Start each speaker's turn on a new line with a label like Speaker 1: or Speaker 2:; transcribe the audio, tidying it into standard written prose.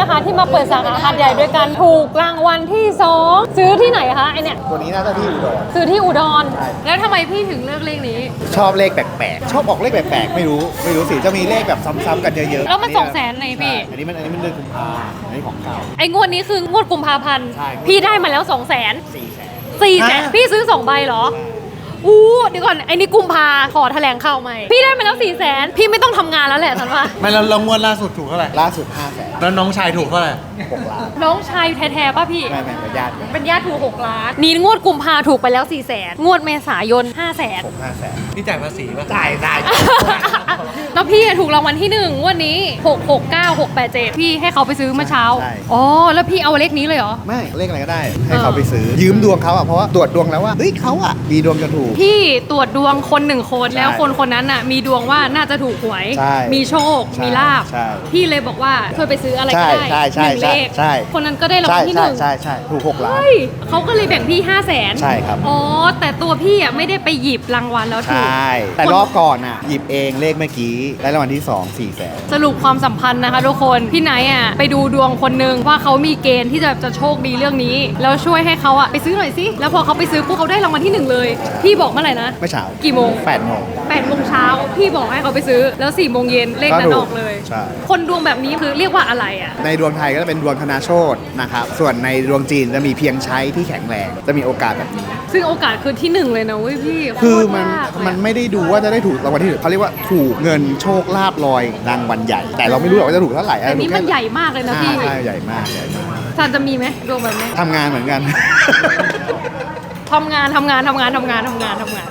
Speaker 1: นะคะที่มาเปิดสาขาหาดใหญ่ด้วยกันถูกรางวัลที่2ซื้อที่ไหนคะไอเนี่ย
Speaker 2: ตัวนี้น่าจะที่อุดร
Speaker 1: ซื้อที่อุดร
Speaker 2: ใช่
Speaker 1: แล้วทำไมพี่ถึงเลือกเลขนี้
Speaker 2: ชอบเลขแปลกๆชอบออกเลขแปลกๆไม่รู้สิจะมีเลขแบบซ้ำๆกันเยอะๆ
Speaker 1: แล้วมัน200,000ไหนพี่
Speaker 2: ใช่อันนี้มันเดือนกุมภาอันนี้ของเก่า
Speaker 1: ไองวดนี้คืองวดกุมภาพันธ์
Speaker 2: ใช่
Speaker 1: พี่ได้มาแล้ว200,000 400,000พี่ซื้อ2ใบเหรออู้เดี๋ยวก่อนไอ้นี่กุมภาขอแถลงข่าวใหม่พี่ได้มาแล้ว400,000พี่ไม่ต้องทำงานแล้วแหละฉันว่า
Speaker 3: ไม่แล้วงวดล่าสุดถูกเท่าไหร่
Speaker 2: ล่าสุด500,000
Speaker 3: แล้วน้องชายถูกเท่าไหร่
Speaker 2: 6 ล้าน
Speaker 1: น้องชายแท้ๆป่ะพี่
Speaker 2: ไม่เป็นญาติกัน
Speaker 1: เป็นญาติถูก6 ล้านนี่งวดกุมภาถูกไปแล้ว400,000งวดเมษายน500,000
Speaker 2: ผม500,000
Speaker 3: พี่จ่ายภาษีป่ะ
Speaker 2: จ่าย
Speaker 1: แล้วพี่ถูกรางวัลที่1งวดนี้669687พี่ให้เขาไปซื้อเมื่อเช้าอ๋อแล้วพี่เอาเลขนี้เลยเหรอ
Speaker 2: ไม่เลขอะไรก็ได้ ให้เขาไปซื้อยืมดวงเขาอ่ะเพราะว่าตรวจดวงแล้วว่าเฮ้ยเขาอ่ะมีดวงจะถูก
Speaker 1: พี่ตรวจดวงคน1 คน
Speaker 2: ใช่
Speaker 1: แล้วคนนั้นน่ะมีดวงว่าน่าจะถูกหวย
Speaker 2: ใช่
Speaker 1: มีโชค
Speaker 2: ใช่
Speaker 1: มีลาบ
Speaker 2: ใช่
Speaker 1: พี่เลยบอกว่าช่วยไปซื้ออะไรก็ได้
Speaker 2: ใช่
Speaker 1: หนึ่งเลข
Speaker 2: ใช่
Speaker 1: คนนั้นก็ได้รางวัลที่ 1
Speaker 2: ใช่ถูก6 ล้าน
Speaker 1: เฮ้ยเขาก็เลยแบ่งพี่500,000
Speaker 2: ใช่ครับ
Speaker 1: อ๋อแต่ตัวพี่อ่ะไม่ได้ไปหยิบรางวัลแล้ว
Speaker 2: ใช
Speaker 1: ถูก่
Speaker 2: แต่รอบก่อนอ่ะหยิบเองเลขเมื่อกี้ได้รางวัลที่2 400,000
Speaker 1: สรุปความสัมพันธ์นะคะทุกคนพี่ไนท์อ่ะไปดูดวงคนหนึงว่าเขามีเกณฑ์ที่จะโชคดีเรื่องนี้แล้วช่วยให้เขาอ่ะไปซื้อหน่อยสิแล้วพอเขาไปซื้อปุ๊บเขาได้รางวัลที่1เลยพี่บอกเมื่อไหร่นะ
Speaker 2: เมื่อเช้า
Speaker 1: กี่โมง
Speaker 2: 8 โมง
Speaker 1: 8 โมงเช้าพี่บอกให้เขาไปซื้อแล้ว4 โมงเย็นเลขนั้นออกเลย
Speaker 2: ใช่
Speaker 1: คนดวงแบบนี้คือเรียกว่าอะไรอ่ะ
Speaker 2: ในดวงไทยก็จะเป็นดวงธนาโชตนะครับ ส่วนในดวงจีนจะมีเพียงใช้ที่แข็งแรง จะมีโอกาสแบบนี้
Speaker 1: ซึ่งโอกาสคือที่1เลยนะเว้ยพี่
Speaker 2: คือ
Speaker 1: โตร
Speaker 2: มัน
Speaker 1: ยากเลย
Speaker 2: มันไม่ได้ดูว่าจะได้ถูกรางวัลที่หนึ่งเขาเรียกว่าถูกเงินโชคลาภลอยรางวัลใหญ่ แต่เราไม่รู้หรอกว่าจะถูกเท่าไหร่
Speaker 1: แต่นี้มันใหญ่มากเลยนะพี่
Speaker 2: ใช่ใหญ่มาก
Speaker 1: ซันจะมีไหมดวงแบบนี้
Speaker 2: ทำงานเหมือนกัน
Speaker 1: ทำงาน